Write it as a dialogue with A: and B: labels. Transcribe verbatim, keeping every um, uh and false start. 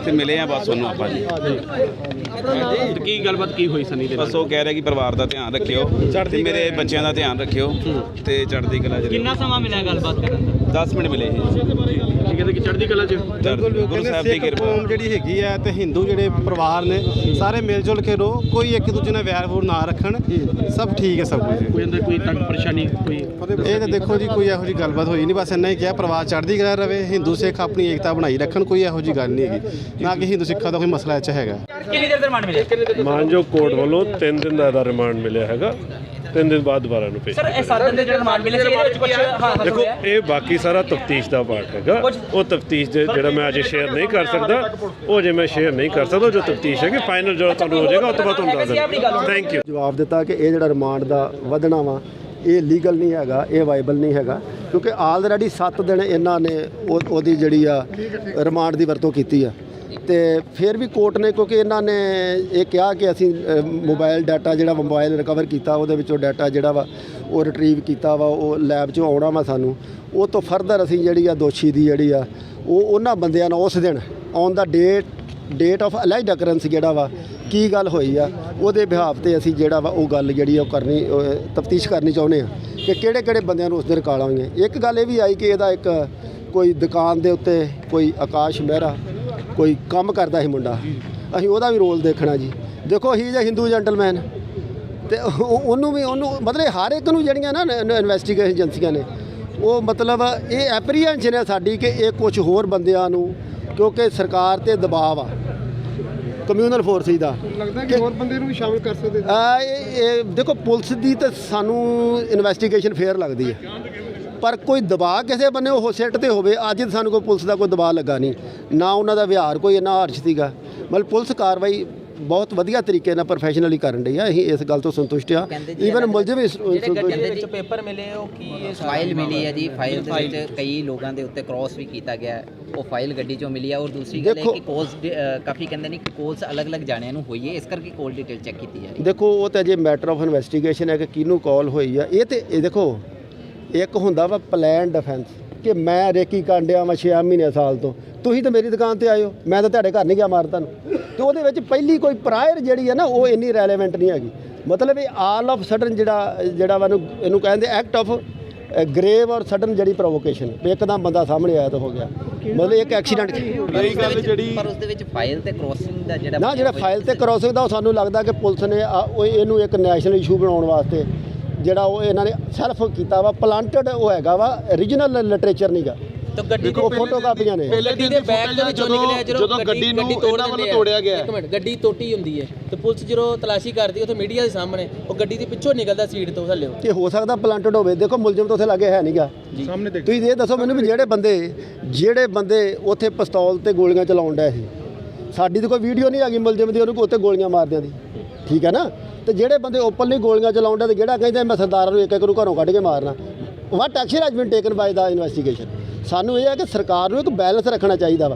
A: ਤੇ ਮਿਲੇ ਆ ਬਸ ਉਹਨੂੰ ਆਪਾਂ ਜੀ।
B: ਕੀ ਗੱਲਬਾਤ ਕੀ ਹੋਈ ਸਨੀ ਦੇ ਨਾਲ?
A: ਬਸ ਉਹ ਕਹਿ ਰਿਹਾ ਕਿ ਪਰਿਵਾਰ ਦਾ ਧਿਆਨ ਰੱਖਿਓ ਤੇ ਮੇਰੇ ਬੱਚਿਆਂ ਦਾ ਧਿਆਨ ਰੱਖਿਓ ਤੇ ਚੜ੍ਹਦੀ ਕਲਾ ਚ।
C: ਕਿੰਨਾ ਸਮਾਂ ਮਿਲਿਆ ਗੱਲਬਾਤ ਕਰਨ ਦਾ?
A: ਦਸ ਮਿੰਟ ਮਿਲੇ ਸੀ।
B: ਕੀ ਕਹਿੰਦੇ ਕਿ ਚੜ੍ਹਦੀ ਕਲਾ ਚ?
A: ਗੁਰੂ ਸਾਹਿਬ ਦੀ ਕਿਰਪਾ
D: ਕੌਮ ਜਿਹੜੀ ਹੈਗੀ ਹੈ ਤੇ ਹਿੰਦੂ ਜਿਹੜੇ ਪਰਿਵਾਰ ਨੇ ਸਾਰੇ ਮਿਲ ਜੁਲ ਕੇ ਰਹੋ, ਕੋਈ ਇੱਕ ਦੂਜੇ ਨਾਲ ਵੈਰ ਵੂਰ ਨਾ ਰੱਖਣ, ਸਭ ਠੀਕ ਹੈ ਸਭ ਕੁਝ।
B: ਕੋਈ ਅੰਦਰ ਕੋਈ ਤੰਗ ਪਰੇਸ਼ਾਨੀ ਕੋਈ?
D: ਇਹ ਤਾਂ ਦੇਖੋ ਜੀ ਕੋਈ ਇਹੋ ਜਿਹੀ ਗੱਲਬਾਤ ਹੋਈ ਨਹੀਂ, ਬਸ ਇੰਨਾ ਹੀ ਕਿਹਾ ਪਰਿਵਾਰ ਚੜ੍ਹਦੀ ਕਲਾ ਰਵੇ, ਹਿੰਦੂ ਸਿੱਖ ਆਪਣੀ ਏਕਤਾ ਬਣਾਈ ਰੱਖਣ, ਕੋਈ ਇਹੋ ਜਿਹੀ ਗੱਲ ਨਹੀਂ ਹੈਗੀ, ਨਾ ਕਿ ਹਿੰਦੂ ਸਿੱਖਾਂ ਦਾ ਕੋਈ ਮਸਲਾ ਇੱਥੇ ਹੈਗਾ।
C: ਕਿੰਨੀ ਦੇਰ ਦਾ ਰਿਮਾਂਡ ਮਿਲਿਆ?
E: ਮਾਨਯੋਗ ਕੋਰਟ ਵੱਲੋਂ ਤਿੰਨ ਦਿਨ ਦਾ ਇਹਦਾ ਰਿਮਾਂਡ ਮਿਲਿਆ ਹੈਗਾ, ਤਿੰਨ ਦਿਨ ਬਾਅਦ ਦੁਬਾਰਾ ਨੂੰ ਭੇਜ।
C: ਸਰ ਇਹ ਸੱਤ ਦਿਨ ਦੇ ਜਿਹੜਾ ਰਿਮਾਂਡ ਮਿਲਿਆ ਸੀ ਇਹਦੇ ਵਿੱਚ ਕੁਝ ਹਾਂ
E: ਦੇਖੋ ਇਹ ਬਾਕੀ ਸਾਰਾ ਤਫਤੀਸ਼ ਦਾ ਪਾਰਟ ਹੈਗਾ, ਉਹ ਤਫਤੀਸ਼ ਦੇ ਜਿਹੜਾ ਮੈਂ ਅਜੇ ਸ਼ੇਅਰ ਨਹੀਂ ਕਰ ਸਕਦਾ, ਉਹ ਜੇ ਮੈਂ ਸ਼ੇਅਰ ਨਹੀਂ ਕਰ ਸਕਦਾ, ਜੋ ਤਫਤੀਸ਼ ਹੈ ਕਿ ਫਾਈਨਲ ਜਦੋਂ ਤੁਹਾਨੂੰ ਹੋ ਜਾਏਗਾ ਉਸ ਤੋਂ ਬਾਅਦ ਤੁਹਾਨੂੰ ਦੱਸ ਦਿੰਦਾ। Thank you.
F: ਜਵਾਬ ਦਿੱਤਾ ਕਿ ਇਹ ਜਿਹੜਾ ਰਿਮਾਂਡ ਦਾ ਵਧਣਾ ਵਾ ਇਹ ਲੀਗਲ ਨਹੀਂ ਹੈਗਾ, ਇਹ ਵਾਈਬਲ ਨਹੀਂ ਹੈਗਾ, ਕਿਉਂਕਿ ਆਲਰੇਡੀ ਸੱਤ ਦਿਨ ਇਹਨਾਂ ਨੇ ਉਹ ਉਹਦੀ ਜਿਹੜੀ ਆ ਰਿਮਾਂਡ ਦੀ ਵਰਤੋਂ ਕੀਤੀ ਆ। ਤੇ ਫਿਰ ਵੀ ਕੋਰਟ ਨੇ, ਕਿਉਂਕਿ ਇਹਨਾਂ ਨੇ ਇਹ ਕਿਹਾ ਕਿ ਅਸੀਂ ਮੋਬਾਈਲ ਡਾਟਾ ਜਿਹੜਾ ਮੋਬਾਈਲ ਰਿਕਵਰ ਕੀਤਾ ਉਹਦੇ ਵਿੱਚੋਂ ਡਾਟਾ ਜਿਹੜਾ ਵਾ ਉਹ ਰਿਟਰੀਵ ਕੀਤਾ ਵਾ, ਉਹ ਲੈਬ 'ਚੋਂ ਆਉਣਾ ਵਾ ਸਾਨੂੰ, ਉਹ ਤੋਂ ਫਰਦਰ ਅਸੀਂ ਜਿਹੜੀ ਆ ਦੋਸ਼ੀ ਦੀ ਜਿਹੜੀ ਆ ਉਹ ਉਹਨਾਂ ਬੰਦਿਆਂ ਨਾਲ ਉਸ ਦਿਨ on the date date of alleged occurrence ਜਿਹੜਾ ਵਾ ਕੀ ਗੱਲ ਹੋਈ ਆ ਉਹਦੇ ਬਿਹਾਫ ਤੇ ਅਸੀਂ ਜਿਹੜਾ ਵਾ ਉਹ ਗੱਲ ਜਿਹੜੀ ਉਹ ਕਰਨੀ ਤਫਤੀਸ਼ ਕਰਨੀ ਚਾਹੁੰਦੇ ਆ ਕਿ ਕਿਹੜੇ ਕਿਹੜੇ ਬੰਦਿਆਂ ਨੂੰ ਉਸ ਦਿਨ ਕਾਲਾਂ ਹੋਈਆਂ। ਇੱਕ ਗੱਲ ਇਹ ਵੀ ਆਈ ਕਿ ਇਹਦਾ ਇੱਕ ਕੋਈ ਦੁਕਾਨ ਦੇ ਉੱਤੇ ਕੋਈ ਆਕਾਸ਼ ਮਹਿਰਾ ਕੋਈ ਕੰਮ ਕਰਦਾ ਸੀ ਮੁੰਡਾ, ਅਸੀਂ ਉਹਦਾ ਵੀ ਰੋਲ ਦੇਖਣਾ ਜੀ। ਦੇਖੋ ਹੀ ਜਾਂ ਹਿੰਦੂ ਜੈਂਟਲਮੈਨ ਤੇ ਉਹਨੂੰ ਵੀ ਉਹਨੂੰ ਮਤਲਬ ਹਰ ਇੱਕ ਨੂੰ ਜਿਹੜੀਆਂ ਨਾ ਇਨਵੈਸਟੀਗੇਸ਼ਨ ਏਜੰਸੀਆਂ ਨੇ ਉਹ ਮਤਲਬ ਇਹ ਐਪਰੀਹੈਂਸ਼ਨ ਹੈ ਸਾਡੀ ਕਿ ਇਹ ਕੁਝ ਹੋਰ ਬੰਦਿਆਂ ਨੂੰ, ਕਿਉਂਕਿ ਸਰਕਾਰ ਤੇ ਦਬਾਅ ਆ ਕਮਿਊਨਲ ਫੋਰਸਿਸ ਦਾ,
D: ਲੱਗਦਾ ਕਿ ਹੋਰ ਬੰਦੇ ਨੂੰ ਵੀ ਸ਼ਾਮਿਲ ਕਰ ਸਕਦੇ।
F: ਇਹ ਦੇਖੋ ਪੁਲਿਸ ਦੀ ਤਾਂ ਸਾਨੂੰ ਇਨਵੈਸਟੀਗੇਸ਼ਨ ਫੇਅਰ ਲੱਗਦੀ ਹੈ, ਪਰ ਕੋਈ ਦਬਾਅ ਕਿਸੇ ਬੰਨੇ ਉਹ ਸਿੱਟ ਤੇ ਹੋਵੇ, ਅੱਜ ਸਾਨੂੰ ਕੋਈ ਪੁਲਿਸ ਦਾ ਕੋਈ ਦਬਾਅ ਲੱਗਾ ਨਹੀਂ, ਨਾ ਉਹਨਾਂ ਦਾ ਵਿਹਾਰ ਕੋਈ ਇੰਨਾ ਹਾਰਸ਼ ਸੀਗਾ, ਮਤਲਬ ਪੁਲਿਸ ਕਾਰਵਾਈ ਬਹੁਤ ਵਧੀਆ ਤਰੀਕੇ ਨਾਲ ਪ੍ਰੋਫੈਸ਼ਨਲੀ ਕਰਨ ਰਹੀ ਆ, ਅਸੀਂ ਇਸ ਗੱਲ ਤੋਂ ਸੰਤੁਸ਼ਟ ਆ। ਈਵਨ ਮੁਲਜ਼ਮ ਵੀ
C: ਜਿਹੜੇ ਪੇਪਰ ਮਿਲੇ ਉਹ ਕੀ
G: ਫਾਈਲ ਮਿਲੀ ਹੈ ਜੀ, ਫਾਈਲ ਦੇ ਵਿੱਚ ਕਈ ਲੋਕਾਂ ਦੇ ਉੱਤੇ ਕ੍ਰਾਸ ਵੀ ਕੀਤਾ ਗਿਆ, ਉਹ ਫਾਈਲ ਗੱਡੀ ਚੋਂ ਮਿਲੀ ਆ। ਔਰ ਦੂਸਰੀ ਗੱਲ ਹੈ ਕਿ ਕੋਲਸ ਕਾਫੀ ਕਹਿੰਦੇ ਨੇ ਕਿ ਕੋਲਸ ਅਲੱਗ-ਅਲੱਗ ਜਾਣਿਆਂ ਨੂੰ ਹੋਈ ਹੈ, ਇਸ ਕਰਕੇ ਕੋਲ ਡਿਟੇਲ ਚੈੱਕ ਕੀਤੀ ਜਾ ਰਹੀ ਹੈ।
F: ਦੇਖੋ ਉਹ ਤਾਂ ਅਜੇ ਮੈਟਰ ਆਫ ਇਨਵੈਸਟੀਗੇਸ਼ਨ ਹੈ ਕਿ ਕਿਹਨੂੰ ਕਾਲ ਹੋਈ ਆ। ਇਹ ਤੇ ਇਹ ਦੇਖੋ ਇੱਕ ਹੁੰਦਾ ਵਾ ਪਲਾਨ ਡਿਫੈਂਸ ਕਿ ਮੈਂ ਰੇਕੀ ਕਾਂਡਿਆ ਵਾ ਛੇ ਮਹੀਨੇ ਸਾਲ ਤੋਂ, ਤੁਸੀਂ ਤਾਂ ਮੇਰੀ ਦੁਕਾਨ ਤੇ ਆਇਓ, ਮੈਂ ਤਾਂ ਤੁਹਾਡੇ ਘਰ ਨਹੀਂ ਗਿਆ ਮਾਰ ਤੁਹਾਨੂੰ, ਤੇ ਉਹਦੇ ਵਿੱਚ ਪਹਿਲੀ ਕੋਈ ਪ੍ਰਾਇਰ ਜਿਹੜੀ ਹੈ ਨਾ ਉਹ ਇੰਨੀ ਰੈਲੇਵੈਂਟ ਨਹੀਂ ਹੈਗੀ। ਮਤਲਬ ਇਹ ਆਲ ਆਫ ਸਡਨ ਜਿਹੜਾ ਜਿਹੜਾ ਵਾ ਇਹਨੂੰ ਕਹਿੰਦੇ act of grave or sudden ਜਿਹੜੀ ਪ੍ਰੋਵੋਕੇਸ਼ਨ, ਇੱਕਦਮ ਬੰਦਾ ਸਾਹਮਣੇ ਆਇਆ ਤਾਂ ਹੋ ਗਿਆ, ਮਤਲਬ ਇੱਕ ਐਕਸੀਡੈਂਟ
G: ਗੱਲ ਜਿਹੜੀ। ਪਰ ਉਸ ਦੇ ਵਿੱਚ ਫਾਈਲ ਤੇ ਕ੍ਰਾਸਿੰਗ ਦਾ ਜਿਹੜਾ
F: ਨਾ ਜਿਹੜਾ ਫਾਈਲ ਤੇ ਕ੍ਰਾਸਿੰਗ ਦਾ ਉਹ ਸਾਨੂੰ ਲੱਗਦਾ ਕਿ ਪੁਲਿਸ ਨੇ ਉਹ ਇਹਨੂੰ ਇੱਕ ਨੈਸ਼ਨਲ ਇਸ਼ੂ ਬਣਾਉਣ ਵਾਸਤੇ ਜਿਹੜਾ ਉਹ ਇਹਨਾਂ ਨੇ ਸੈਲਫ ਕੀਤਾ ਵਾ, ਪਲਾਂਟਡ ਉਹ ਹੈਗਾ ਵਾ, ਓਰੀਜਨਲ ਲਿਟਰੇਚਰ ਨਹੀਂਗਾ।
C: ਤਾਂ ਗੱਡੀ
F: ਦੇਖੋ ਫੋਟੋ ਕਾਪੀਆਂ ਨੇ,
C: ਗੱਡੀ ਦੇ ਬੈਕ ਦੇ ਵਿੱਚੋਂ ਨਿਕਲਿਆ ਜਦੋਂ ਗੱਡੀ ਨੂੰ ਇਹਨਾਂ ਵੱਲੋਂ ਤੋੜਿਆ ਗਿਆ। ਇੱਕ ਮਿੰਟ, ਗੱਡੀ ਤੋਟੀ ਹੁੰਦੀ ਹੈ ਤੇ ਪੁਲਿਸ ਜਦੋਂ ਤਲਾਸ਼ੀ ਕਰਦੀ ਉੱਥੇ ਮੀਡੀਆ ਦੇ ਸਾਹਮਣੇ ਉਹ ਗੱਡੀ ਦੇ ਪਿੱਛੋਂ ਨਿਕਲਦਾ ਸੀਟ ਤੋਂ ਥੱਲੇ,
F: ਕਿ ਹੋ ਸਕਦਾ ਪਲਾਂਟਡ ਹੋਵੇ। ਦੇਖੋ ਮੁਲਜ਼ਮ ਤਾਂ ਉੱਥੇ ਲੱਗੇ ਹੈ ਨਹੀਂਗਾ ਸਾਹਮਣੇ, ਤੁਸੀਂ ਇਹ ਦੱਸੋ ਮੈਨੂੰ ਵੀ ਜਿਹੜੇ ਬੰਦੇ ਜਿਹੜੇ ਬੰਦੇ ਉੱਥੇ ਪਿਸਤੌਲ ਤੇ ਗੋਲੀਆਂ ਚਲਾਉਣ ਡਿਆ ਸੀ, ਸਾਡੀ ਤਾਂ ਕੋਈ ਵੀਡੀਓ ਨਹੀਂ ਹੈਗੀ ਮੁਲਜ਼ਮ ਦੀ ਉਹਨੂੰ ਉੱਥੇ ਗੋਲੀਆਂ ਮਾਰਦਿਆਂ ਦੀ, ਠੀਕ ਹੈ ਨਾ, ਤੇ ਜਿਹੜੇ ਬੰਦੇ ਓਪਨਲੀ ਗੋਲੀਆਂ ਚਲਾਉਣ ਡਿਆ ਤੇ ਜਿਹੜਾ ਕਹਿੰਦਾ ਮੈਂ ਸਰਦਾਰਾਂ ਨੂੰ ਇੱਕ ਇੱਕ ਨੂੰ ਘਰੋਂ ਕੱਢ ਕੇ ਮਾਰਨਾ, what action has been taken by the investigation. ਸਾਨੂੰ ਇਹ ਹੈ ਕਿ ਸਰਕਾਰ ਨੂੰ ਇੱਕ ਬੈਲੈਂਸ ਰੱਖਣਾ ਚਾਹੀਦਾ ਵਾ।